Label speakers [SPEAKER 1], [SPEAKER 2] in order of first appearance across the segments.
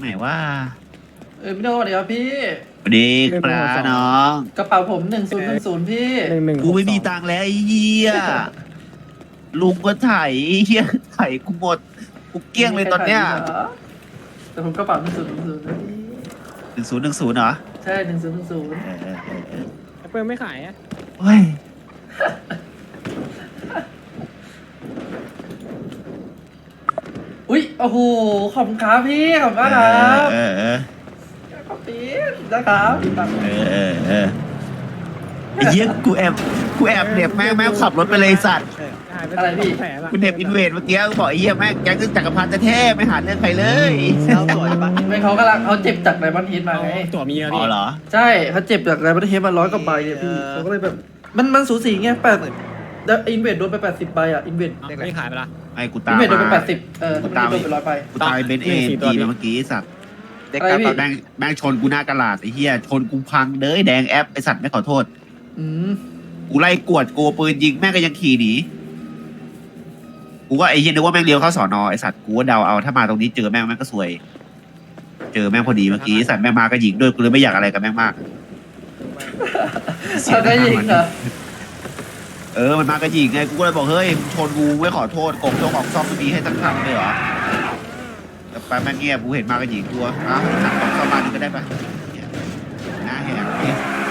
[SPEAKER 1] ไหนว่า
[SPEAKER 2] พี่โดเดี๋ยวพี่
[SPEAKER 1] สวัสดีครับน้อง
[SPEAKER 2] กระเป๋าผม1010พี่
[SPEAKER 1] กูไม่มีตังค์แล้วไอ้เหี้ยลุงก็ไถเหี้ยไถกูหมดกูเกลี้ยงเลยตอนเนี้ย
[SPEAKER 2] แต่ผมกระเป๋า1010นะพี่
[SPEAKER 1] 1010เหรอ
[SPEAKER 2] ใช่1010
[SPEAKER 1] เออ
[SPEAKER 3] เปิดไม่ขายอ่ะ
[SPEAKER 1] เฮ้ย
[SPEAKER 2] อุ้ยโอ้โหขอบคุณครับพี่ขอบคุณมากครับ
[SPEAKER 1] เออ
[SPEAKER 2] ขอบพี่นะครับตังค์
[SPEAKER 1] ไอ้เหี้ยกูแอบเหน็บแม่งขับรถไปเลยสัตว์
[SPEAKER 2] อะไรพี่
[SPEAKER 3] แผลละ
[SPEAKER 1] กูเหน็บอินเวดเมื่อกี้กูบอกไอ้เหี้ยแม่งแก๊งจักรพันธ์จะแท้ไม่หาเรื่องใครเลย
[SPEAKER 3] เอาตั๋วได้ปะ
[SPEAKER 2] ไม่เขากำลังเขาเจ็บจากไดมอนด์เฮดมาไง
[SPEAKER 3] ตั๋วมีอะ
[SPEAKER 1] อ๋
[SPEAKER 3] พี่
[SPEAKER 1] อเหรอ
[SPEAKER 2] ใช่เขาเจ็บจากไดมอนด์เฮดมา100 กว่าใบเนี่ยพี่เขาก็เลยแบบมันสูสีไงอินเวดโดนไป80 ใบอ่ะอินเวด
[SPEAKER 3] ไม่ขายไปละ
[SPEAKER 1] ไอ้กู
[SPEAKER 2] อิ
[SPEAKER 1] ตาน ม
[SPEAKER 2] เวดโดนไป
[SPEAKER 1] มา
[SPEAKER 2] 80ทำไมโดนไป100 ใบ
[SPEAKER 1] กูตามไอ้เบนซ์เอ็นจีมาเมื่อกี้ไอ้สัตว์
[SPEAKER 2] อะไรพี่
[SPEAKER 1] แม่งชนกูหน้ากระลาดไอ้เหี้ยชนกูพังเด้ยแดงแอปไอ้สัตว์ไม่ขอโทษ
[SPEAKER 2] อืม
[SPEAKER 1] กูไล่กวดกูปืนยิงแม่งก็ยังขี่หนีกูก็ไอ้เหี้ยนึกว่าแม่งเลี้ยวเข้าสอนอไอ้สัตว์กูก็เดาเอาถ้ามาตรงนี้เจอแม่งก็ซวย เจอแม่งพอดีเมื่อกี้ไอ้สัตว์แม่งมาก็ยิงด้วยกูเลยไม่อยากอะไรกับแม่งมาก
[SPEAKER 2] เขาก็ยิงเหรอ
[SPEAKER 1] มันมาก็ยิงไงกูก็เลยบอกเฮ้ยมึงชนกูไม่ขอโทษกบโจของซ่อมไม่มีให้ตั้งคำเลยเหรอแต่ไปแม่งเงียบกูเห็นมาก็ยิงตัวอ้าวสั่งกบซ่อมมาหนึ่งก็ได้ปะเนี่ยหน้าแหกเนี่ย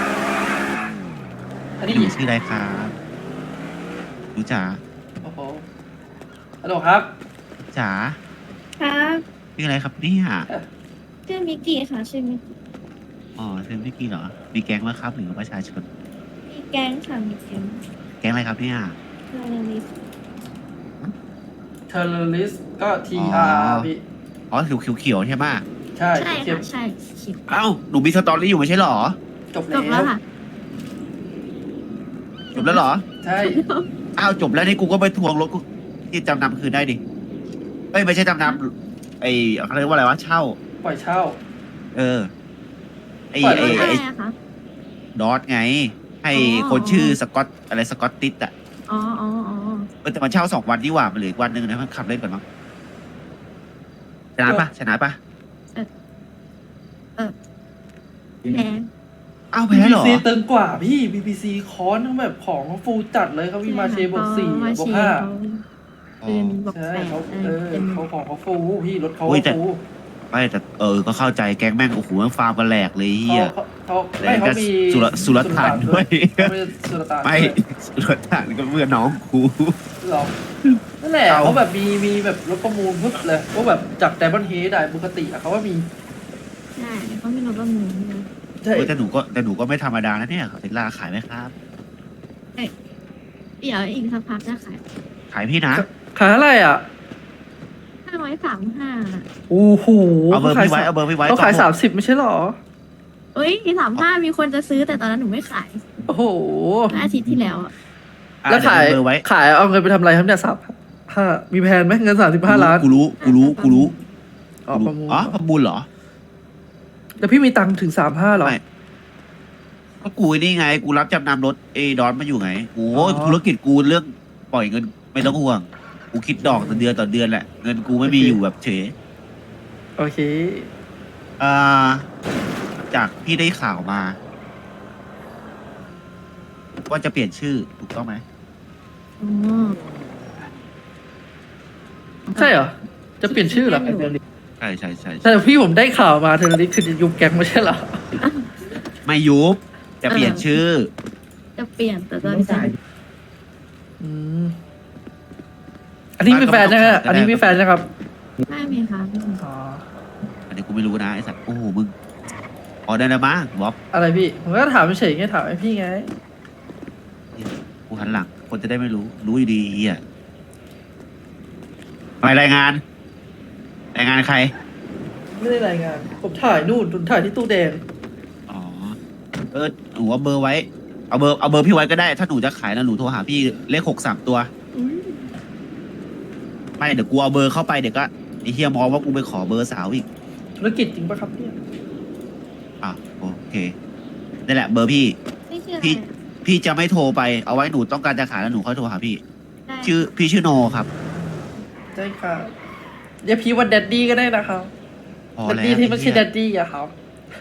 [SPEAKER 2] อันนี้
[SPEAKER 1] พี่ชื่ออะไรครับรู้จ๋า
[SPEAKER 2] โอ้โหฮัลโหลครับ
[SPEAKER 1] จ๋า
[SPEAKER 4] ครับ
[SPEAKER 1] ชื่ออะไรครับเนี่ย
[SPEAKER 4] ชื่อมิกกี้ค่ะชื่อมิกกี้
[SPEAKER 1] อ๋อชื่อพี่กี้เหรอมีแก๊งไหมครับหรือประชาชน
[SPEAKER 4] มีแก๊งค่ะมีแก๊ง
[SPEAKER 1] แก๊งอะไรครับเนี่ย
[SPEAKER 4] เทอร์เรลิส
[SPEAKER 2] เทอร์เรลิสก็
[SPEAKER 1] อ๋อ
[SPEAKER 2] TR พี่
[SPEAKER 1] อ๋อเขียวใช่ไหม
[SPEAKER 2] ใช่
[SPEAKER 4] ใช่
[SPEAKER 2] เทียบ
[SPEAKER 4] ค่ะใช่คิด
[SPEAKER 1] เอ้าหนูมีสตอรี่อยู่ไม่ใช่เหรอ
[SPEAKER 2] จบ
[SPEAKER 4] จบแล้
[SPEAKER 2] แล้ว ว
[SPEAKER 4] ค่ะ
[SPEAKER 1] จบแล้วเหรอ
[SPEAKER 2] ใช่
[SPEAKER 1] อ้าวจบแล้วนี่กูก็ไปทวงรถกูที่จำนำคืนได้ดิเอ้ยไม่ใช่จำนำไอ้เขาเรียกว่าอะไรวะเช่า
[SPEAKER 2] ปล่อยเช่า
[SPEAKER 1] เออไอ้
[SPEAKER 2] ปล่อย
[SPEAKER 1] ไอ้
[SPEAKER 2] รถ
[SPEAKER 4] อะไร
[SPEAKER 1] ไอ้
[SPEAKER 4] อะคะ
[SPEAKER 1] ดอทไง ให้
[SPEAKER 4] อ๋อ
[SPEAKER 1] คนชื่อสกอตอะไรสกอตติสอ่ะ
[SPEAKER 4] อ๋ออ๋ออ๋อ
[SPEAKER 1] แต่มันเช่า2 วันดีกว่ามันเหลืออีกวันหนึ่งนะมันขับเล่นก่อนมั้งชนะปะชนะปะ
[SPEAKER 4] แพ้
[SPEAKER 1] อ้าวแพ้เหรอ
[SPEAKER 2] BBC ตึงกว่าพี่ BBC คอนทั้งแบบของเขาฟูลจัดเลยเขามีมาเชบวก4
[SPEAKER 4] มา
[SPEAKER 2] บ
[SPEAKER 4] เช
[SPEAKER 2] วก
[SPEAKER 4] เขา
[SPEAKER 1] อ๋อ
[SPEAKER 4] เป็นบอก
[SPEAKER 2] 5ใช่
[SPEAKER 4] แปด
[SPEAKER 2] เขา
[SPEAKER 4] เป็น
[SPEAKER 2] เขาของเขาฟูพี่รถเขา
[SPEAKER 1] อุ้ยแต่
[SPEAKER 2] ฟู
[SPEAKER 1] ไม่แต่ก็เข้าใจแก๊งแม่งโอ้โหแม่งฟาร์มกันแหลกเลยเฮีย
[SPEAKER 2] เขาไม่เขามี
[SPEAKER 1] สุรต่านด้วย
[SPEAKER 2] เขามีสุรต่าน
[SPEAKER 1] ไม่
[SPEAKER 2] ด้วย
[SPEAKER 1] รถถังก็เพื่อนน้องกู
[SPEAKER 2] หรอนั่นแหละ
[SPEAKER 1] เอา
[SPEAKER 2] เขาแบบมีแบบรถประมูลปุ๊บเลยว่าแบบจากไดมอนด์เฮดได้ปกติอะเขาว่ามี
[SPEAKER 4] ใช่เขาไม่รู้ว่ามือนะ
[SPEAKER 2] ใช่
[SPEAKER 1] เฮ้ยแต่หนูก็ไม่ธรรมดานะเนี่ยเทสลาขายไหมครับ
[SPEAKER 4] เดี๋ยวอีกสักพักจะขาย
[SPEAKER 1] ขายพี่นะ
[SPEAKER 2] ขายอะไรอ่ะ
[SPEAKER 4] 535
[SPEAKER 2] โอ้โห
[SPEAKER 1] เอาเบอร์พี่ไว้เอาเบอร์พี่ไว้
[SPEAKER 2] เขาขาย
[SPEAKER 1] ก่อน
[SPEAKER 2] 30ไม่ใช่หรอ
[SPEAKER 4] เอ้ย35มีคนจะซื้อแต่ตอนนั้นหนูไม่ขาย
[SPEAKER 2] โอ้โห
[SPEAKER 4] อาทิตย์ที่แล้วอะ
[SPEAKER 1] อ่ะ
[SPEAKER 2] แล้วขาย
[SPEAKER 1] เดี๋วเบอร์ไว้
[SPEAKER 2] ขายเอาเงินไปทำอะไรครับเนี่ย35มีแพนไหมเงิน35 ล้าน
[SPEAKER 1] กูรู้
[SPEAKER 2] อ๋อประมูล
[SPEAKER 1] อ๋อประมูลเหรอ
[SPEAKER 2] แล้วพี่มีตังค์ถึง35หรอ
[SPEAKER 1] ไม่ ก็กูนี่ไง กูรับจำนำรถดอนมาอยู่ไงโอ้
[SPEAKER 2] อ๋อ
[SPEAKER 1] ธุรกิจกูเรื่องปล่อยเงินไม่ต้องห่วง กูคิดดอกต่อเดือนแหละ เงินกูไม่มีอยู่แบบเฉย
[SPEAKER 2] โอเค
[SPEAKER 1] อ่าจากพี่ได้ข่าวมา ว่าจะเปลี่ยนชื่อถูกต้องไหม
[SPEAKER 4] อ๋อ
[SPEAKER 2] ใช่เหรอ จะเปลี่ยนชื่อเหรอ
[SPEAKER 1] ใช่ใช่ใช่
[SPEAKER 2] แต่พี่ผมได้ข่าวมาเทอร์ริสคือจะยุบแก๊งไม่ใช่เหรอ
[SPEAKER 1] ไม่ยุบจะเปลี่ยนชื่อ
[SPEAKER 4] จะเปลี่ยนแต่ตอนนี้
[SPEAKER 2] อืมอันนี้มีแฟนนะฮะอันนี้มีแฟนนะครับ
[SPEAKER 4] ไม่มีค่ะไม่มี
[SPEAKER 2] อ๋อ
[SPEAKER 1] อันนี้กูไม่รู้นะไอ้สัตว์โอ้โหมึงอ๋อได้แล้วมั้งบ๊อบ
[SPEAKER 2] อะไรพี่ ผมก็ถามเฉยๆไงถามไอ้พี่ไง
[SPEAKER 1] กูหันหลัง คนจะได้ไม่รู้ รู้อยู่ดีเฮียไปรายงานใคร
[SPEAKER 2] ไม่ได้รายงาน ผมถ่ายนู่นผมถ่ายที่ตู้แดง
[SPEAKER 1] อ๋อหนูเอาเบอร์ไว้ เอาเบอร์พี่ไว้ก็ได้ ถ้าหนูจะขายนะหนูโทรหาพี่เลข6 3 ตัว
[SPEAKER 4] อืม
[SPEAKER 1] ไม่เดี๋ยวกูเอาเบอร์เข้าไปเดี๋ยวก็ไอ้เฮียมองว่ากูไปขอเบอร์สาวอีก
[SPEAKER 2] ธุรกิจจริงปะครับเนี่ย
[SPEAKER 1] อ่ะโอเคนี่แหละเบอร์พี่
[SPEAKER 4] ไม่เชื่อ
[SPEAKER 1] พี่ พี่จะไม่โทรไปเอาไว้หนูต้องการจะขายแล้วหนูค่อยโทรหาพี่
[SPEAKER 4] ได้
[SPEAKER 1] พี่ชื่อโนครับ
[SPEAKER 2] ใช่ค่ะเรียกพี่ว่าแดดดี้ก็ได้นะครับ
[SPEAKER 1] พอ
[SPEAKER 2] ดัด
[SPEAKER 1] แล้ว
[SPEAKER 2] ดี้ที่ไม่ใช่ดัดดี้อะครับ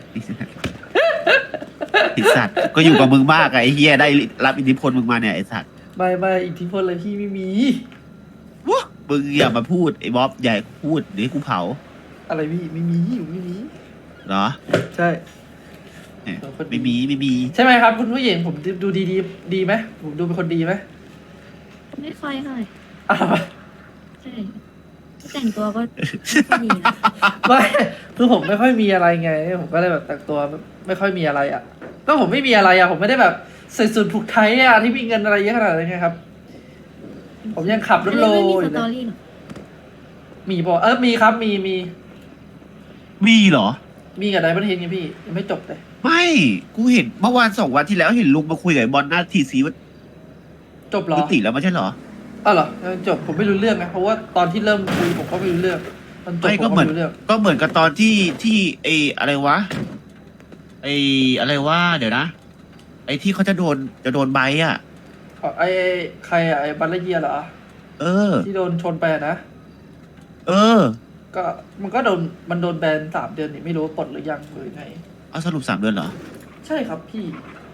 [SPEAKER 1] ไอสัตว์ก็อยู่กับมึงมากอะไอ้เฮียได้รับอิทธิพลมึงมาเนี่ยไอสัตว์
[SPEAKER 2] ไม่อิทธิพลอะไรพี่ไม่มี
[SPEAKER 1] วะมึงอย่ามาพูดไอ้บ๊อบอย่าพูดเดี๋ยวกูเผา
[SPEAKER 2] อะไรพี่ไม่มีอยู่ไม่มี
[SPEAKER 1] เหรอ
[SPEAKER 2] ใช่
[SPEAKER 1] เนี่ยไม่มี
[SPEAKER 2] ใช่ไหมครับคุณผู้หญิงผมดูดีไหมผมดูเป็นคนดีไหม
[SPEAKER 4] ไม่ค่อยเท่าไหร่
[SPEAKER 2] อะไรวะ
[SPEAKER 4] ใช่แต่งตัวก็ไม่ค่อยดีนะ
[SPEAKER 2] ไม่คือผมไม่ค่อยมีอะไรไง ผมก็เลยแบบแต่งตัวไม่ค่อยมีอะไรอ่ะ ก็ผมไม่มีอะไรอ่ะ ผมไม่ได้แบบใส่สูทผูกไทยอ่ะที่มีเงินอะไรเยอะขนาดนั้นไงครับ ผมยังขับรถโล
[SPEAKER 4] ไม่มี
[SPEAKER 2] อ
[SPEAKER 4] ส
[SPEAKER 2] ยู่เล
[SPEAKER 4] ตอย รี่หรอ
[SPEAKER 2] มีบอกมีครับมี
[SPEAKER 1] มีเหรอ
[SPEAKER 2] มีกับไดมอนด์เฮดไงพี่ยังไม่จบเลย
[SPEAKER 1] ไม่กูเห็นเมื่อวาน2 วันที่แล้วเห็นลุงมาคุยกับไอ้บอลหน้าทีซีว่า
[SPEAKER 2] จบเหรอ
[SPEAKER 1] ยุติแล้วไม่ใช่เหรอ
[SPEAKER 2] อ้าวเหรอยังจบผมไม่รู้เรื่องนะเพราะว่าตอนที่เริ่มคุยผมก็ไม่รู้เรื่องตอนจบ
[SPEAKER 1] ไม่
[SPEAKER 2] ผ
[SPEAKER 1] ก็
[SPEAKER 2] ม
[SPEAKER 1] เหมื
[SPEAKER 2] ก็
[SPEAKER 1] อน
[SPEAKER 2] ไม่รู้เรื่อง
[SPEAKER 1] ก็เหมือนกับตอนที่ไอ้อะไรวะไอ้อะไรวะเดี๋ยวนะ ไอ้ที่เขาจะโดนใบอ่ะ
[SPEAKER 2] ไอ้ใครอะไอ้บัลเลเยียเหรอ
[SPEAKER 1] เออ
[SPEAKER 2] ที่โดนชนไปอะนะ
[SPEAKER 1] เออ
[SPEAKER 2] ก็มันก็มันโดนแบน3 เดือนนี่ไม่รู้ว่าปลดหรือยังหรือไง
[SPEAKER 1] เอาสรุป3 เดือนเหรอ
[SPEAKER 2] ใช่ครับพี่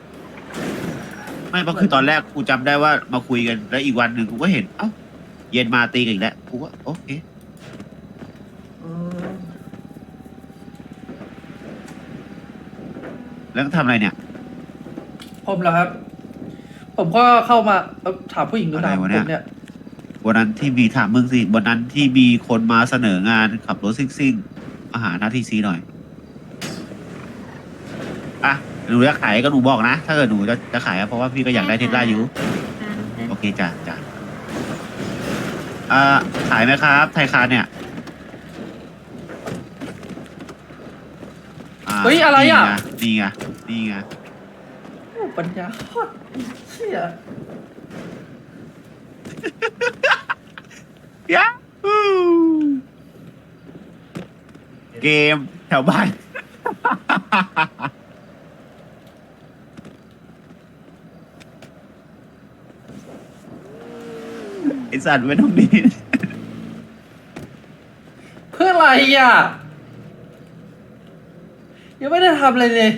[SPEAKER 1] ไม่เพราะคือตอนแรกกูจำได้ว่ามาคุยกันแล้วอีกวันหนึ่งกูก็เห็นเอ้าเย็นมาตีกันอีกแล้วกูก็โอเคแล้วทำอะไรเนี่ย
[SPEAKER 2] ผมเหรอครับ ผมก็เข้ามาถามผู้หญิงดู
[SPEAKER 1] อะไร
[SPEAKER 2] ถาม
[SPEAKER 1] วะ
[SPEAKER 2] ผ
[SPEAKER 1] เนี่ย
[SPEAKER 2] มเนี่ย
[SPEAKER 1] วันนั้นที่มีถามมึงสิวันนั้นที่มีคนมาเสนองานขับรถซิ่งๆมาหาหน้าที่ซีหน่อยอ่ะหนูจะขายก็หนูบอกนะ ถ้าเกิดหนูจะขายอะเพราะว่าพี่ก็อยากได้เทสลาอยู่ โอเคจ้ะขายไหมครับ ไทยคารเนี่ย
[SPEAKER 2] เฮ้ยอะไรอ่ะ
[SPEAKER 1] นี่ไง
[SPEAKER 2] โอ้ปัญญาโคตรเชี่ย
[SPEAKER 1] ยาฮูเกมแถวบ้าน ไอสัตว์ไว้ตรงนี้
[SPEAKER 2] เพื่ออะไรอ่ะยังไม่ได้ทำอะไรเลย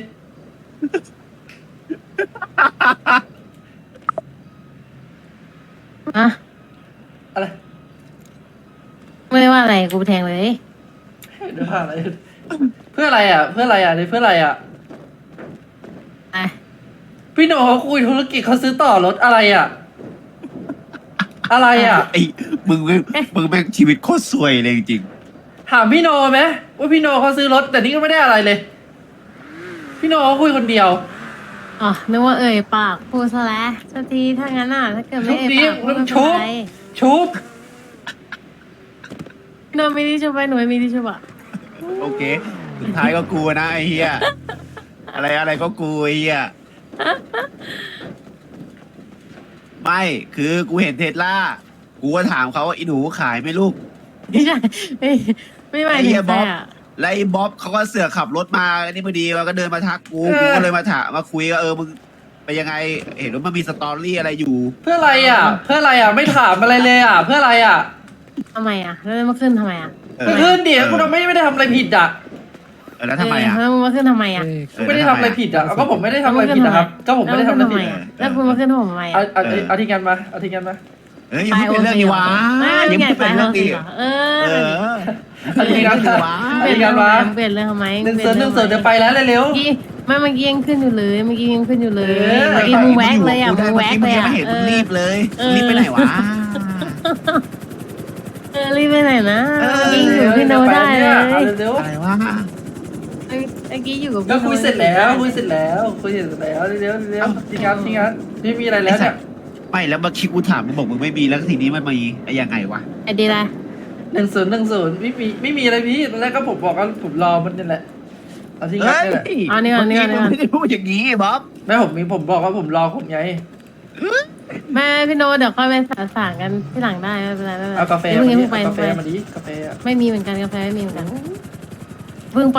[SPEAKER 5] อะ
[SPEAKER 2] อะไร
[SPEAKER 5] ไม่ได้ว่าอะไรกูไปแทงเลย
[SPEAKER 2] เดี๋ยวหาอะไรเพื่ออะไรอ่ะ เพื่ออะไรอ่ะนี่เพื่ออะไรอ่ะ
[SPEAKER 5] ไป
[SPEAKER 2] พี่โหนเขาคุยธุรกิจเขาซื้อต่อรถอะไรอ่ะ อะไรอ่ะ
[SPEAKER 1] ไอ้มึงแม่งชีวิตโคตรซวยเลยจริง
[SPEAKER 2] ถามพี่โนไหมว่าพี่โนเขาซื้อรถแต่นี่ก็ไม่ได้อะไรเลย พี่โนเขาคุยคนเดียว
[SPEAKER 5] อ๋อนึกว่าเอ่ยปากพูดซะแล้วสักทีถ้างั้นอ่ะถ้าเกิดไม่เอ่ยปากพูดไม่
[SPEAKER 2] ชุ
[SPEAKER 5] เป็น
[SPEAKER 2] บ
[SPEAKER 5] ไร
[SPEAKER 2] ชุบ
[SPEAKER 5] หนูมีที่ชุบไปหนูไม่มีที่ชุบอ่ะ
[SPEAKER 1] โอเค สุดท้ายก็กูนะไอ้เหี้ย อะไรก็กูไอ้เหี้ย ไม่คือกูเห็นเทสลากูก็ถามเขาว่าอีหนูขายไหมลูก
[SPEAKER 5] ไม่ใช่ไม่หมาย
[SPEAKER 1] ไอ้
[SPEAKER 5] ถึ
[SPEAKER 1] เหี้
[SPEAKER 5] ง
[SPEAKER 1] ย
[SPEAKER 5] ใค
[SPEAKER 1] บ๊
[SPEAKER 5] ร
[SPEAKER 1] อบ
[SPEAKER 5] อ่ะ
[SPEAKER 1] แล้วไอ้บ๊อบเขาก็เสือกขับรถมาอันนี้พอดีมันก็เดินมาทักกูกูก็เลยมาถามมาคุยว่ามึงไปยังไง เห็นว่ามันมีสตอรี่อะไรอยู่
[SPEAKER 2] เพื่ออะไรอ่ะ เพื่ออะไรอ่ะ ไม่ถามอะไรเลยอ่ะ เพื่ออะไรอ่ะ
[SPEAKER 5] ทำไมอ่ะแล้วมาขึ้นทำไมอ่ะ
[SPEAKER 2] ก็ขึ้นดิกูทำไม่ได้ทำอะไรผิดอ่ะ
[SPEAKER 1] แล้วทำไมอ่ะ
[SPEAKER 5] แล้วมึงมาขึ้นทำไมอ่ะ
[SPEAKER 2] ไม่ได้ทำอะไรผิดอ่ะก็ผมไม่ได้ทำอะไรผิดนะครับ ก็ผมไม่ได้ทำอะไรผิด
[SPEAKER 5] แล้วคุณมาขึ้นผมทำไม
[SPEAKER 2] เอา
[SPEAKER 5] อ่ะ
[SPEAKER 2] เอาที่งานมาเอาที่งานมา
[SPEAKER 1] เอ้ยยังไม่เป็นเรื่องนี้วะ
[SPEAKER 5] ไม่
[SPEAKER 1] ยัง
[SPEAKER 5] ไง
[SPEAKER 1] ไม่
[SPEAKER 5] ไป
[SPEAKER 1] เป็น
[SPEAKER 5] เรื่
[SPEAKER 1] เรื่
[SPEAKER 5] อ
[SPEAKER 1] อง ง
[SPEAKER 5] นี้
[SPEAKER 1] นี้
[SPEAKER 5] เอ
[SPEAKER 1] เอ
[SPEAKER 5] อ
[SPEAKER 1] อ
[SPEAKER 2] เอาที่งานมา
[SPEAKER 5] เปลี่ยนเรื่องเปลี่ยนเรื่องทำไม
[SPEAKER 2] หนึ่งเสือเดี๋ยวไปแล้วเร็ว
[SPEAKER 5] เมื่อกี้ไม่เมื่อกี้ยังขึ้นอยู่เลยเมื่อกี้ยังขึ้นอยู่เลย
[SPEAKER 2] เออ
[SPEAKER 5] เมื่อกี้มึงแวกเลยอ่ะมึงแวกเลยอ่ะ
[SPEAKER 1] ไม่เห็นมึงรีบเลย
[SPEAKER 5] เออ
[SPEAKER 1] รีบไปไหนวะ
[SPEAKER 5] รีบไปไหนนะ
[SPEAKER 1] เออ
[SPEAKER 5] เมื่อกี้อยู่กับพี่โนได้เลย
[SPEAKER 2] เร็ว
[SPEAKER 1] อะไรวะ
[SPEAKER 5] เมื่อกี้อยู่กับ
[SPEAKER 2] ก็
[SPEAKER 5] พี่โน
[SPEAKER 2] คุยเสร็จแล้วคุยเสร็จแล้วเร็วที่งานไม่มีอะไรแล้วเนี่ย
[SPEAKER 1] ไม่แล้วเมื่อกี้กูถามมึงบอกมึงไม่มีแล้วทีนี้มันมีไอ้ยังไงวะ
[SPEAKER 5] ไอ้ดีไร
[SPEAKER 2] 10ไม่มีอะไรพี่ตอนแรกก็ผมบอกว่าผมรอมันนี่แหละเอาที่งานนี่แหละ
[SPEAKER 5] อ๋อนี่ก่อนนี่ก่อน
[SPEAKER 1] มึงไม่ได้พูดอย่างนี้บ๊อบ
[SPEAKER 2] แม่ผมบอกว่าผมรอผมไง
[SPEAKER 5] แม่พี่โนเดี๋ยวค่อยไปสางกันที่หลังได้ไม่เป็นไรไม่เป็นไร
[SPEAKER 2] เอากาแฟ
[SPEAKER 5] เพิ่ง
[SPEAKER 2] มาดิ
[SPEAKER 5] ไป
[SPEAKER 2] เอากาแฟมาดิกาแฟอ่ะ
[SPEAKER 5] ไม่มีเหมือนกันกาแฟไม่มีเหมือนกันเพิ่งไป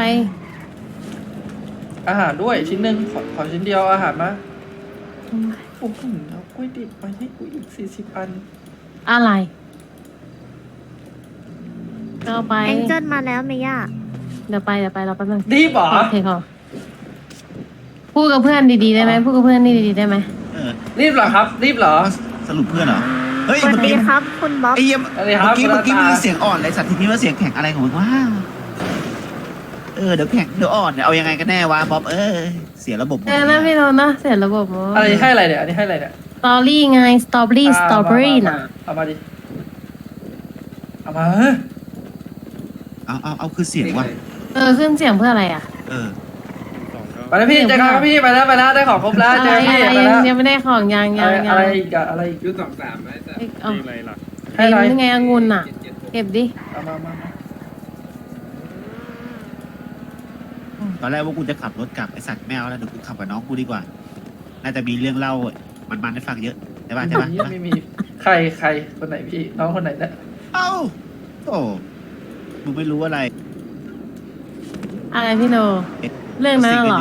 [SPEAKER 2] อาหารด้วยชิ้นหนึ่งขอชิ้นเดียวอาหารมาโอ้โหเอากล้วยดิบมาให้กูอีก40 อัน
[SPEAKER 5] อะไรก็เอาไป
[SPEAKER 6] แองเจิลมาแล้วเมย่า
[SPEAKER 5] เดี๋ยวไปเราแป๊บนึง
[SPEAKER 2] รีบเหรอ
[SPEAKER 5] โอเคค่ะพูดกับเพื่อนดีๆได้ไหมพูดกับเพื่อนดีๆได้ไหม
[SPEAKER 1] เออ
[SPEAKER 2] รีบเหรอครับ รีบเหรอ
[SPEAKER 1] สรุปเพื่อนเหรอเฮ้ย
[SPEAKER 4] สวัส
[SPEAKER 1] เมื่อ
[SPEAKER 4] ดี
[SPEAKER 1] กี้
[SPEAKER 4] ครับ คุณบ๊อบ
[SPEAKER 1] ไอ้เหี้ย
[SPEAKER 2] สวัสดีครับ
[SPEAKER 1] เมื่อกี้
[SPEAKER 2] คุณ
[SPEAKER 1] มึ
[SPEAKER 2] ตา
[SPEAKER 1] งเสียงอ่อนเลยสัตว์ทีนี้ว่าเสียงแข็งอะไรของมึงวะเดี๋ยวแข็งเดี๋ยวอ่อนเนี่ยเอายังไงกันแน่วะบ๊อบเสียระบบหมด
[SPEAKER 5] นะพี่โนนะเสร็จระบบ
[SPEAKER 2] อะไรให้อะไรเนี่ยอันนี้ให้อะไรเนี่ย
[SPEAKER 5] สตอรี่ไงสตรอเบอรี่น่ะ
[SPEAKER 2] เอามาดิเอามา
[SPEAKER 1] เอาคือเสียงว่ะ
[SPEAKER 5] ขึ้นเสียงเพื่ออะไรอ่ะ
[SPEAKER 1] เออ
[SPEAKER 2] ไปแล้วพี่เจอกันครับพี่ไปแล้วได้ของครบแล้ว
[SPEAKER 5] อะ
[SPEAKER 2] เจ
[SPEAKER 5] ไร
[SPEAKER 2] อพี่
[SPEAKER 5] อะไร
[SPEAKER 2] ไปแล้ว
[SPEAKER 5] ยังไม่ได้ของยัง
[SPEAKER 2] อะไรอีกอะอะไรอีก
[SPEAKER 6] ยุค23ไหมแต่
[SPEAKER 5] เอา
[SPEAKER 6] อะไรล่ะ
[SPEAKER 2] ให้อะไร
[SPEAKER 5] ยังไงองุ่นอ่ะ เก็บดิ
[SPEAKER 2] เอามา
[SPEAKER 1] ตอนแรกว่ากูจะขับรถกลับไอสัตว์แมวแล้วเดี๋ยวกูขับกับน้องกูดีกว่า น่าจะมีเรื่องเล่ามันให้ฟังเยอะใช่ป่ะใช่ป่ะ
[SPEAKER 2] ไม่มีใครคนไหนพี่น้องคนไหนเนี่ย
[SPEAKER 1] เอ้าโอ้มึงไม่รู้อะไร
[SPEAKER 5] อะไรพี่โน เรื่องนั้นเหรอ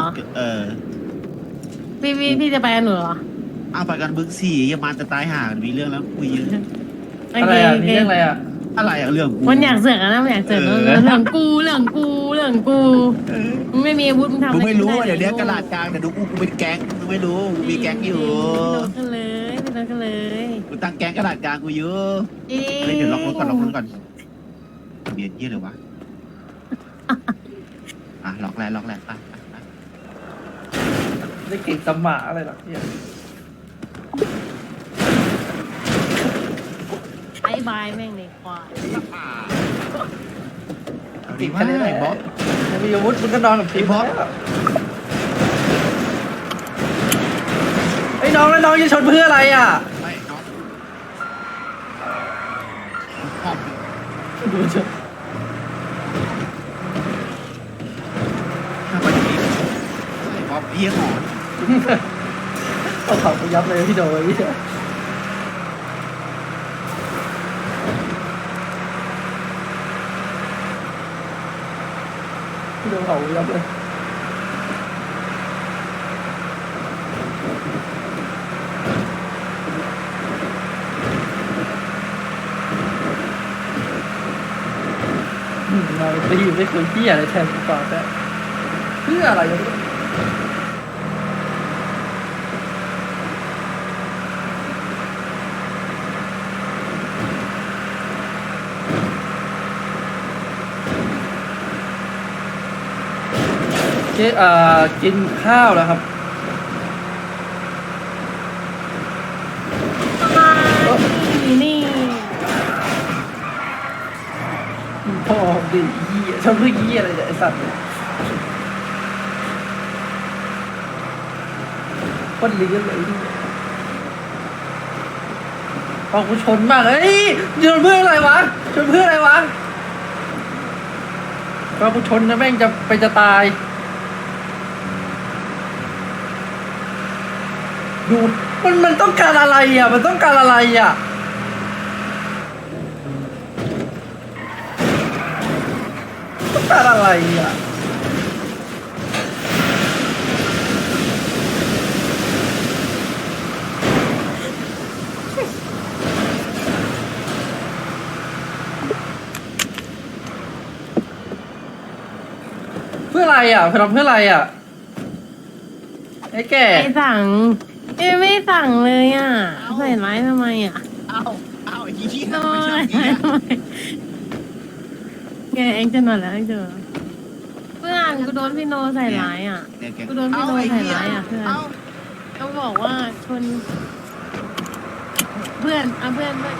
[SPEAKER 5] พี่จะไปกับหนูเหรอ
[SPEAKER 1] เอาไปกันบึกสี่ยังมาจะตายห่ากันมีเรื่องแล้วคุยเยอะ
[SPEAKER 2] อะไรอ่ะมีเรื่องอะไรอ่ะ
[SPEAKER 1] อะไรอะเรื่องกู
[SPEAKER 5] มันอยากเสือกนะมันอยากเสือกเรื่องกูมึงไม่มีอาวุธมึงทำ
[SPEAKER 1] มึง
[SPEAKER 5] อะไร
[SPEAKER 1] ไม่รู้ว่าเดี๋ยวนี้
[SPEAKER 5] ไ
[SPEAKER 1] กระดาษกลางเดี๋ยวดูกูเป็นแก๊งมึงไม่รู้กูมีแก๊งอยู่
[SPEAKER 5] พี่โดนกันเลยพี่โดนกันเลย
[SPEAKER 1] กูตั้งแก๊งกระดาษกลางกูอยู่
[SPEAKER 5] เอ๊ะ
[SPEAKER 1] เฮ้ยเดี๋ยวล็อกรถก่อนทะเบียนเยี่ยเลยวะล็อกแล้วไป
[SPEAKER 2] ได้เก่งสมาอะไรหรอกเนี่ย
[SPEAKER 5] บายแม่งเลยควาย
[SPEAKER 1] ติดแค่ไหนบอส
[SPEAKER 2] มีอาวุธมึงก็นอนกับทีม
[SPEAKER 1] ไอ้บอส
[SPEAKER 2] ไอ้น้องแล้วน้องจะชนเพื่ออะไรอ่ะ
[SPEAKER 1] ไม่น้อง
[SPEAKER 2] ดูเถอะ
[SPEAKER 1] ทำไมอย่างนี้บอสเยี่ยหอน
[SPEAKER 2] เอาเขาไปยับเลยพี่โดยพี่โดเขาไปยับเลยเราไปอยู่ไม่คุยที่อะไรแทนกูก่อนแต่เพื่ออะไรกันกินข้าวแล้วครับ
[SPEAKER 5] นี่
[SPEAKER 2] พ่อดิยี่ชอบเรื่องยี่อะไรเนี่ยไอสัตว์คนเลี้ยงเลยพอกูชนมากชนเพื่ออะไรวะชนเพื่ออะไรวะพอกูชนนะแม่งจะตายดูมันต้องการอะไรอ่ะมันต้องการอะไรอ่ะต้องการอะไรอ่ะเพื่ออะไรอ่ะทำเพื่ออะไรอ่ะไอ้แก่
[SPEAKER 5] ไม่สั่งไม่สั่งเลยอ่ะใส่ร้ายทำไมอ่ะ
[SPEAKER 1] เอาไอ้ยี่
[SPEAKER 5] โด
[SPEAKER 1] ไม่
[SPEAKER 5] น
[SPEAKER 1] ใช่
[SPEAKER 5] ทำไมแกเองจะนอนแล้วเองเจอเพื่อนกูโดนพี่โนใส่ร้ายอ่ะกูโดนพี่โนใส่ร้ายอ่ะเพื่อนต้องบอกว่าชนเพื่อนเพื่อนด้วย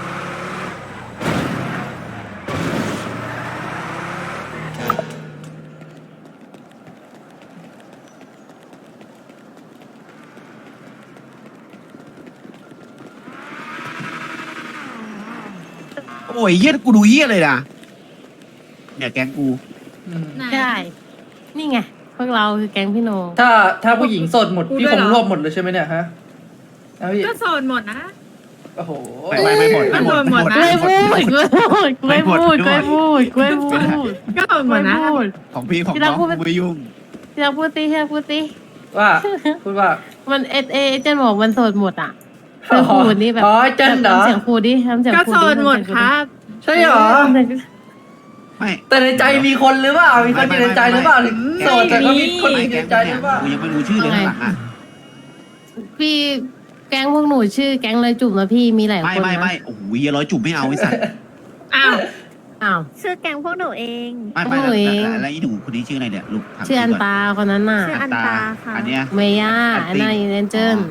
[SPEAKER 1] โอ้ยเยี่ยกูดูเยี่ยเลยนะเนี่ยแก๊งกู
[SPEAKER 5] ใช่ นี่ไง พวกเราคือแก๊งพี่โน
[SPEAKER 2] ถ้าผู้หญิงโสดหมดพี่คงรวบหมดเลยใช่ไหมเนี่ยฮะนะพี่
[SPEAKER 4] ก็โสดหมดนะ
[SPEAKER 2] โอ้โห
[SPEAKER 1] ไม่หมด
[SPEAKER 4] ก็โดนหมดนะ
[SPEAKER 5] ไม่พูดไม่พูดไม่พูดไม่พูด
[SPEAKER 4] ก็โสดหมดนะ
[SPEAKER 5] ไม่พูด
[SPEAKER 1] ของพี่ของน้องกูไม่ยุ่ง
[SPEAKER 5] ที่เราพูดสิ
[SPEAKER 2] ว่าพูดว่า
[SPEAKER 5] มันเจนบอกมันโสดหมดอ่ะเธอพูดนี่แบบ
[SPEAKER 2] อ๋อเจนเหรอ
[SPEAKER 5] ทำเสียงพูดดิทำเสียง
[SPEAKER 4] ก็
[SPEAKER 5] พูด
[SPEAKER 4] โส
[SPEAKER 5] ดิ
[SPEAKER 4] ดหมดครับ
[SPEAKER 2] ใช่เหรอ
[SPEAKER 1] ไม่
[SPEAKER 2] แต่ในใจมีคนหรือเปล่ามีคนอยู่ในใจหรือเปล่าถึงโสดแต่ก็มีคนอยู่
[SPEAKER 1] ไอ้
[SPEAKER 2] ใน
[SPEAKER 1] แก๊ง
[SPEAKER 2] ใจห
[SPEAKER 1] เนี่
[SPEAKER 2] รื
[SPEAKER 1] ย
[SPEAKER 2] อเปล่า
[SPEAKER 1] กูยังไม่รู้ชื่อเลยข้างหลังอ่ะ
[SPEAKER 5] พี่แก๊งพวกหนูชื่อแก๊งเลยจุ่มนะพี่มีหลาย
[SPEAKER 1] ไม่
[SPEAKER 5] คน
[SPEAKER 1] ไม่
[SPEAKER 5] นะ
[SPEAKER 1] ไม่โอ้โหร้อยจุ่มไม่เอาไอ้สัตว์
[SPEAKER 5] อ้าวอ้าว
[SPEAKER 4] ชื่อแกงพวกหนูเอง
[SPEAKER 1] ไม่ไม่
[SPEAKER 5] โอ้ย
[SPEAKER 1] แล้วไอ้หนูคนนี้ชื่ออะไรเนี่ยลูกถาม
[SPEAKER 5] ชื่ออัน
[SPEAKER 1] ก่
[SPEAKER 5] ตาคนนั้นน่ะ
[SPEAKER 4] ชื่ออันตาค่ะ
[SPEAKER 1] อันเนี้ย
[SPEAKER 5] เมย่าอันนั้นอินเจน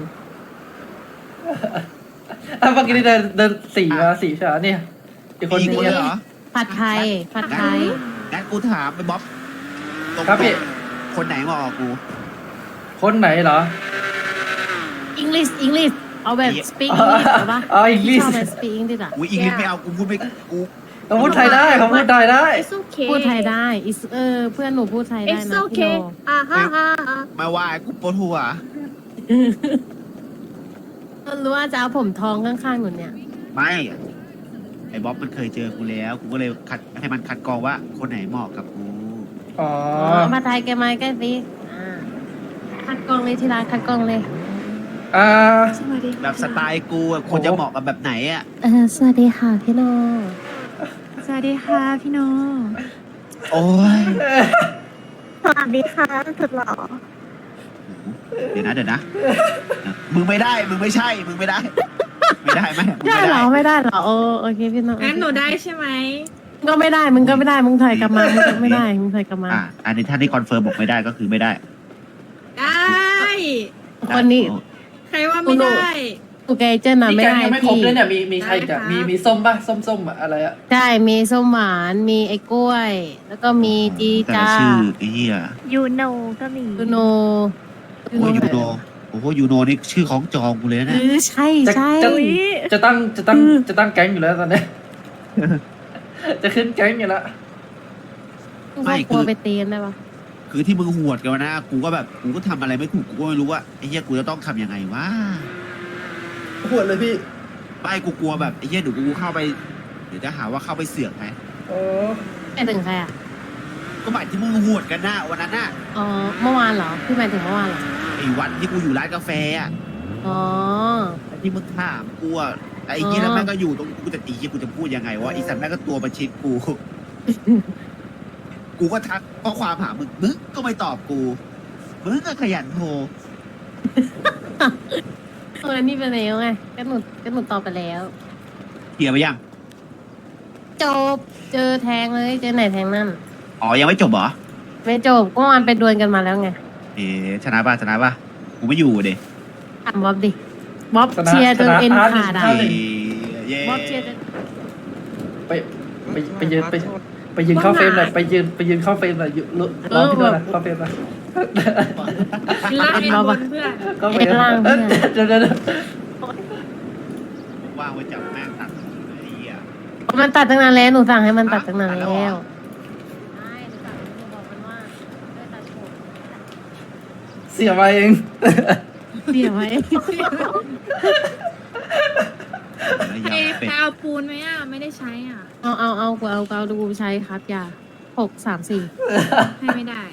[SPEAKER 2] อ่ะเมื่อกี้นี่เดินสี่มาสี่ใช่ไหมเนี่ยอีกคน
[SPEAKER 1] มี
[SPEAKER 2] นึง
[SPEAKER 1] คน
[SPEAKER 2] เนี่ย
[SPEAKER 1] เหรอ
[SPEAKER 5] ผัดไทยผัดไทย
[SPEAKER 1] งั้นกูถามไปบ๊อบตรง
[SPEAKER 2] ครับพี่
[SPEAKER 1] คนไหนมาออกกู
[SPEAKER 2] คนไหนเหรอ
[SPEAKER 5] อังกฤษอังกฤษเอาแบบ speak
[SPEAKER 2] อ๋อ
[SPEAKER 5] English เหรอปะ
[SPEAKER 2] อ๋ออังกฤษ
[SPEAKER 5] ชอบแบบ speak English อ่ะ
[SPEAKER 1] อุ้ยอีกนิดไม่เอากูพูดไม่กู
[SPEAKER 2] เขาพูดไทยได้เขาพูดไทยได้
[SPEAKER 4] It's okay
[SPEAKER 5] พูดไทยได้เพื่อนหนูพูดไทยได้
[SPEAKER 4] It's
[SPEAKER 5] นะพี่
[SPEAKER 4] okay
[SPEAKER 5] โน
[SPEAKER 4] อ่าฮะฮะ
[SPEAKER 1] มาว่ากูปวดหัว
[SPEAKER 5] รู้ว่าจะเอาผมทองข้างๆหนูเนี่ย
[SPEAKER 1] ไม่ไอ้บ๊อบมันเคยเจอกูแล้วกูก็เลยคัดให้มันคัดกรองว่าคนไหนเหมาะกับกู
[SPEAKER 2] อ๋อ
[SPEAKER 5] ผัดไทยแกมาใกล้สิคัดกรองเลยที่ร้านคัดกรองเลย
[SPEAKER 2] อ่า
[SPEAKER 4] สวัสดีค่ะ
[SPEAKER 1] แบบสไตล์กูอะคนจะเหมาะกับแบบไหนอ่ะ
[SPEAKER 5] สวัสดีค่ะพี่โน
[SPEAKER 4] สวัสดีค่ะพี่โน
[SPEAKER 1] โอ้ย
[SPEAKER 4] สวัสดีค่ะสุดหล่อ
[SPEAKER 1] เดี๋ยวนะมึงไม่ได้มึงไม่ใช่มึงไม่ได้ ไม่ได้ไหมมึง
[SPEAKER 5] ได้
[SPEAKER 1] ไม่
[SPEAKER 5] เหร
[SPEAKER 1] ได้
[SPEAKER 5] อไม่ได้เหรอโอเคพี่โน
[SPEAKER 4] งั้นหนูได้ใช่ไหม
[SPEAKER 5] ก็ไม่ได้มึงก็ไม่ได้มึงถอยกลับมามึงก็ไม่ได้มึงถอยกลับมา
[SPEAKER 1] อันนี้ท่านที่คอนเฟิร์มบอกไม่ได้ก็คือไม่ได้
[SPEAKER 4] ได้
[SPEAKER 5] คนนี้
[SPEAKER 4] ใครว่าไม่ได้
[SPEAKER 5] โอเคเจนน่ะ
[SPEAKER 2] นี่
[SPEAKER 5] ไม่
[SPEAKER 2] แกง
[SPEAKER 5] ได้
[SPEAKER 2] ยังไม่ครบ
[SPEAKER 5] พี่
[SPEAKER 2] เลยเนี่ยมีใครอีกอะมีส้มป่ะส้มอะอะไรอะ
[SPEAKER 5] ใช่มีส้มหวานมีไอ้กล้วย แล้วก็มีจี
[SPEAKER 1] แต่
[SPEAKER 5] จ้า
[SPEAKER 1] ละชื่อไอ้เหี้ย
[SPEAKER 4] ยูโนก็มี
[SPEAKER 5] ยูโน
[SPEAKER 1] โอ้ยูโนโอ้โหยูโนนี่ชื่อของจองกูเลยนะ
[SPEAKER 5] ใช่
[SPEAKER 2] จะ
[SPEAKER 5] ใช่
[SPEAKER 2] จะตั้งแก๊งอยู่แล้วตอนเนี้ย จะขึ้นแก๊งอยู่แล้ว
[SPEAKER 5] ครอบครัวไปตีกันได้ปะ
[SPEAKER 1] คือที่มึงหวดกันนะกูก็แบบกูก็ทำอะไรไม่ถูกกูก็ไม่รู้ว่าไอ้เหี้ยกูจะต้องทำยังไงวะ
[SPEAKER 2] ปวดเลยพี่
[SPEAKER 1] ไม่กูกลัวแบบไอ้เหี้ยเดี๋ยวกูเข้าไปเดี๋ยวจะหาว่าเข้าไปเสือกไหม
[SPEAKER 2] โอ้
[SPEAKER 5] ไปถึงใครอ่ะ
[SPEAKER 1] ก็หมายที่มึงหวดกันนะวันนั้นน่ะ
[SPEAKER 5] อ๋อเมื่อวานเหรอพี่หมายถึงเมื่อวานเหรอ
[SPEAKER 1] ไอ้วันที่กูอยู่ร้านกาแฟอ่ะ
[SPEAKER 5] อ๋อ
[SPEAKER 1] ไอ้ที่มึงถามกูอ่ะไอ้เหี้ยแล้วแม่งก็อยู่ตรงกูจะตีเหี้ยกูจะพูดยังไงวะไอ้สัตว์แม่งก็ตัวประชิดกู กูก็ทักข้อความหามึงก็ไม่ตอบกูมึงก็ขยันโทร
[SPEAKER 5] นี่ไปแล้วไงก็หนูตอบไปแล้ว
[SPEAKER 1] เคลียร์ไปยัง
[SPEAKER 5] จบเจอแทงเลยเจอไหนแทงนั่น
[SPEAKER 1] อ๋อยังไม่จบเหรอ
[SPEAKER 5] ไม่จบก็มันไปดวลกันมาแล้วไง
[SPEAKER 1] เอ๊ะชนะป่ะกูไม่อยู่เด็
[SPEAKER 5] ถามบ๊อบดิบ๊อบเชียร์จนเอ็นขาดอ่ะ
[SPEAKER 1] เย้
[SPEAKER 5] บ๊อบเชียร์จน
[SPEAKER 2] ไปยืนเข้าเฟรมหน่อยไปยืนเข้าเฟรมหน่อยร้องพี่ด้วยนะเข้าเฟรมนะ
[SPEAKER 4] ล่างเอ็นบนเพื่อน
[SPEAKER 2] เข้าเฟรมเดี๋ยว
[SPEAKER 1] ว่างไว้จับแม่งตัดไอ้เหี้ย
[SPEAKER 5] มันตัดตั้งนานแล้วหนูสั่งให้มันตัดตั้งนาน
[SPEAKER 1] ตัดแล้
[SPEAKER 5] แล้ว ว
[SPEAKER 1] เหรอ
[SPEAKER 5] ใช่หนูสั่งหนูบอกมันว่าช่วยตัดผม
[SPEAKER 2] เสียมาเอง
[SPEAKER 5] เสียไว้
[SPEAKER 1] แล้วยำเป็ด
[SPEAKER 4] เอาปูนไหมอ่ะ ไม่ได้ใช้อ่ะ
[SPEAKER 5] เอากูดูใช้ครับอย่า634
[SPEAKER 4] ให้ไม่ได้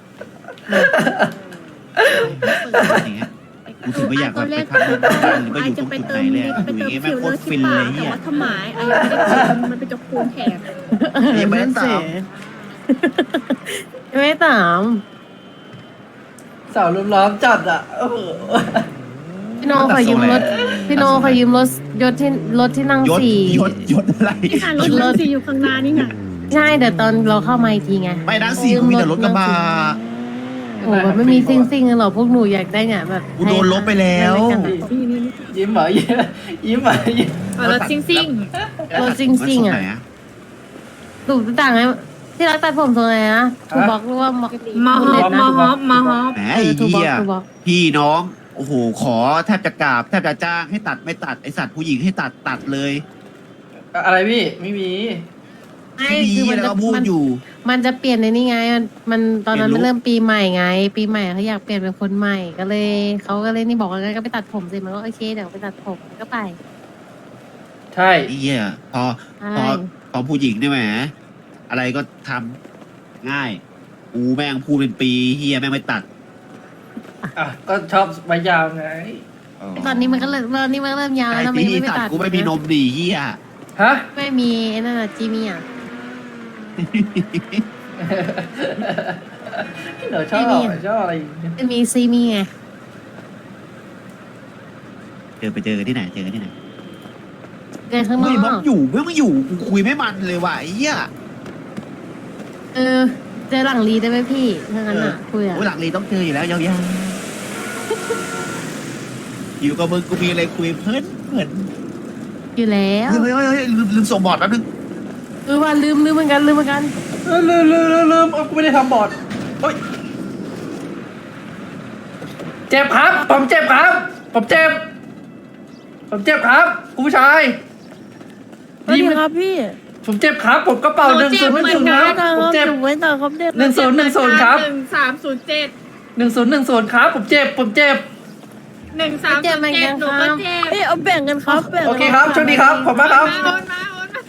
[SPEAKER 1] อย่างเงี้ยกูถึงไม่อยากแบบไปทำนู่นทำนั่นหรือไปอยู่ตรงจุดไหนเลยอะอยู่อย่างเงี้ยแม่งโคตรฟินเลย
[SPEAKER 4] แต่
[SPEAKER 1] เหี้ย
[SPEAKER 4] ว่าถ้าหมายอะไรไม่ได้ปูนมันเป็นจะปูนแถม
[SPEAKER 1] ยังไม่ได้ตาม
[SPEAKER 5] ไม่ถาม
[SPEAKER 2] สาวรุมล้อมจัดอ่ะโอ้โห
[SPEAKER 5] พี่โนขอยืมรถพี่โนขอยืมรถยศที่รถที่นั่ง
[SPEAKER 1] ยศ
[SPEAKER 5] สี่
[SPEAKER 1] ยศอะไร
[SPEAKER 4] นี่ค่ะรถสีอยู่ข้างหน้านี่ไง
[SPEAKER 5] ใช่เดี๋ยวตอนเราเข้ามาอีกทีไง
[SPEAKER 1] ไม่นะสี่กูมีแต่รถกระบะ
[SPEAKER 5] โอ้โหมันไม่มีซิ่งๆกันหรอกพวกหนูอยากได้ไงแบบ
[SPEAKER 1] กูโดนลบไปแล้ว
[SPEAKER 2] ยิ้มเหรอยิ้มเหรอยิ้ม
[SPEAKER 4] รถซิ่งซิ่ง
[SPEAKER 5] รถซิ่งๆอ่ะ
[SPEAKER 1] ไหนอะ
[SPEAKER 5] ถูกต่างไงที่รักตัดผมทรงอะไรนะถูกบอกหรือว่า
[SPEAKER 4] มาฮอปมาฮอปมาฮอป
[SPEAKER 1] แหมไอ้
[SPEAKER 5] ถูกบอก
[SPEAKER 1] เหี้ย
[SPEAKER 5] ถูกบอก
[SPEAKER 1] พี่น้องโอ้โหขอแทบจะกราบแทบจะจ้างให้ตัดไม่ตัดไอสัตว์ผู้หญิงให้ตัดเลย
[SPEAKER 2] อะไรพี่ไม่มี
[SPEAKER 1] พี่แล้วก็พูดอยู่
[SPEAKER 5] มันจะเปลี่ยนในนี่ไงมันตอนนั้น
[SPEAKER 1] เปลี่
[SPEAKER 5] มัน
[SPEAKER 1] ยนลุค
[SPEAKER 5] เริ่มปีใหม่ไง ปีใหม่เขาอยากเปลี่ยนเป็นคนใหม่ก็เลยเขาก็เลยนี่บอกว่างั้นก็ไปตัดผมสิมันก็โอเคเดี๋ยวไปตัดผมก็ไป
[SPEAKER 2] ใช่
[SPEAKER 1] ไอ้เหี้ยพอ
[SPEAKER 5] ใช่
[SPEAKER 1] พอผู้หญิงได้ไหมอะไรก็ทำง่ายกูแม่งพูดเป็นปีเฮียแม่งไม่ตัด
[SPEAKER 2] อ่ะก็ชอบไว้ยาวไง
[SPEAKER 5] ตอนนี้มันก็เริ่มยาวแล้ว
[SPEAKER 1] ไอ้
[SPEAKER 5] ทำไม
[SPEAKER 1] ปี
[SPEAKER 5] ยัง
[SPEAKER 1] ที่
[SPEAKER 5] ไม่
[SPEAKER 1] ตัด
[SPEAKER 5] ตัด
[SPEAKER 1] กูไม่มีนมดีเฮีย
[SPEAKER 2] ฮะ
[SPEAKER 5] ไม่มีไอ้นั่นน่ะจีมี่อ่ะ
[SPEAKER 2] พี่หนูชอบอะไรอย่างเงี้ย
[SPEAKER 5] มีซีมีไง
[SPEAKER 1] ไปเจอกันที่ไหนเจอกันที่ไหน
[SPEAKER 5] เดินข้างนอ
[SPEAKER 1] เฮ้ยม็อบ
[SPEAKER 5] ก
[SPEAKER 1] อยู่ไม่อยู่กูคุยไม่มันเลยว่ะไอ้เหี้ย
[SPEAKER 5] เจอหลังรีได้ไหมพี่ถ้างั้นอ่ะคุยอ่ะ
[SPEAKER 1] โอ้ยหลังลีต้องเจออยู่แล้วยาวๆอยู่กับมึงกูมีอะไรคุยเพลิน
[SPEAKER 5] อยู่แล้ว
[SPEAKER 1] เฮ้ยลืมส่งบอร์ดแป๊บนึง
[SPEAKER 5] ว่าลืมเหมือนกันลืม
[SPEAKER 2] ลืมกูไม่ได้ทำบอร์ดเฮ้ยเจ็บครับผมเจ็บครับผมเจ็บครับคุณผู้ชาย
[SPEAKER 5] สวัสดีครับพี่
[SPEAKER 2] ผมเจ็บครับผมกระเป๋า1 0 1 0ครับผมเจ็บ
[SPEAKER 5] ไว้ต่อครับเด็ก
[SPEAKER 2] 1010ครับ
[SPEAKER 6] 1307
[SPEAKER 2] 1010ครับผมเจ็บ
[SPEAKER 5] เจ็บเหมือนกัน
[SPEAKER 6] หนู
[SPEAKER 5] ค
[SPEAKER 6] ก็
[SPEAKER 5] รับ
[SPEAKER 6] เจ็บ
[SPEAKER 5] เอ้ยเอาแบ่งกันครับแบ่ง
[SPEAKER 2] โอเคครับโชคดีครับขอบคุณมากครับ
[SPEAKER 6] โอนมา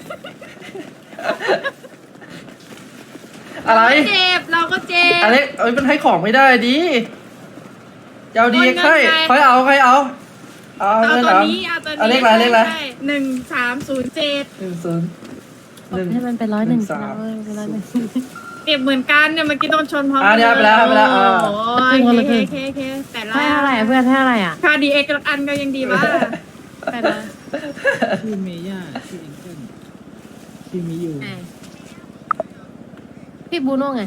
[SPEAKER 2] อะไร
[SPEAKER 6] เจ็บเราก็เจ็บ
[SPEAKER 2] อะไรเอ้ยมันให้ของไม่ได้ดิจะเอาดี
[SPEAKER 6] โอนเงิน
[SPEAKER 2] ใคร
[SPEAKER 6] ไง
[SPEAKER 2] ใครเอาเอา
[SPEAKER 6] เอา
[SPEAKER 2] เงิน
[SPEAKER 6] ตัว
[SPEAKER 2] เอา
[SPEAKER 6] นี้เอาตัวนี้
[SPEAKER 2] เอาเลขอะไร
[SPEAKER 6] 1307
[SPEAKER 2] 10
[SPEAKER 5] ให้มันเป็น101
[SPEAKER 2] 1 3
[SPEAKER 5] เป็น101
[SPEAKER 6] เจ็บเหมือนกันเนี่ยเมื่อกี้โดนชนพร้อม
[SPEAKER 2] เนี่ยไปแล้ว
[SPEAKER 6] โอ้
[SPEAKER 5] ครึ่งคนละ
[SPEAKER 6] ย
[SPEAKER 5] ครึ่ง
[SPEAKER 6] เคแต่ละ
[SPEAKER 5] ให้เท่าไหร่เพื่อนให้เท่าไหร่อ่ะ
[SPEAKER 6] ค่าดีเอ็กอันก็ยังดีบ้าแต่ละ
[SPEAKER 7] ชื่อเมย่าชื่อเอ็งเกิลชื่อมิยู
[SPEAKER 5] พี่บูโน่ไง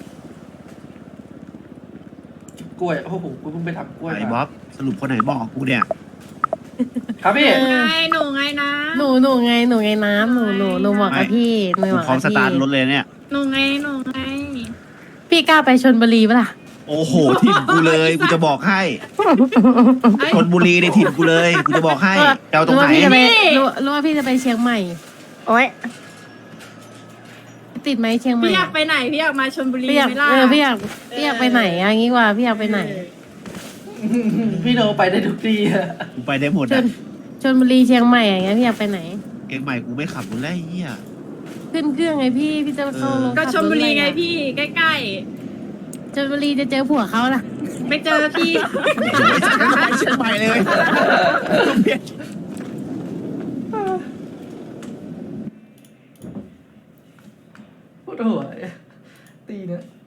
[SPEAKER 2] กล้วยโอ้โหกูเพิ่งไปทำกล้วย
[SPEAKER 1] ไอ้
[SPEAKER 2] มา
[SPEAKER 1] บ๊อบสรุปคนไหนบอกกูเนี่ย
[SPEAKER 2] ครับพี่
[SPEAKER 6] หนูไงนะ
[SPEAKER 5] หนูไงน้ำหนูบอกกับพี่หนู
[SPEAKER 1] กู
[SPEAKER 5] บอก
[SPEAKER 1] พร้อม
[SPEAKER 5] กับ
[SPEAKER 1] ส
[SPEAKER 5] พี่
[SPEAKER 1] ตาร์ทรถเลยเนี่ย
[SPEAKER 6] หนูไง
[SPEAKER 5] พี่กล้าไปชนบุรีปะล่ะ
[SPEAKER 1] โอ้โหถิ่นกูเลยกูจะบอกให้
[SPEAKER 6] เอ้ย
[SPEAKER 1] ชนบุรีในถิ่นกูเลยกูจะบอกให้จะเอาตรงไหน
[SPEAKER 5] รู้ว่าพี่จะไปเชียงใหม่ โอ้ยติดไหมเชียงใหม่
[SPEAKER 6] พี่อยากไปไหนพี่อยากมาชลบุรี
[SPEAKER 5] พี่อยาก
[SPEAKER 6] ไหมล่ะ
[SPEAKER 5] พี่อยากไปไหนอะงี้ว่าพี่อยากไปไหน
[SPEAKER 2] พี่โนไปได้ทุกที่อะ
[SPEAKER 1] กูไปได้หมด
[SPEAKER 5] ช
[SPEAKER 1] อ่ะ
[SPEAKER 5] นบุรีเชียงใหม่อย่างเงี้ยพี่อยากไปไหน
[SPEAKER 1] เองใหม่กูไม่ขับกูแล้วไอ้เหี้ย
[SPEAKER 5] ขึ้นเครื่องไงพี่จะเข้าโรง
[SPEAKER 6] ก็
[SPEAKER 5] ขั
[SPEAKER 6] ชลบุรีไง
[SPEAKER 5] ถอะ
[SPEAKER 6] พี่ใกล้
[SPEAKER 5] ชนบุรีจะเจอผัวเขาล่ะ
[SPEAKER 6] ๆไม่เจอพี่
[SPEAKER 1] เชียงใหม่เลย
[SPEAKER 2] โคตรหัวตีเนี่ย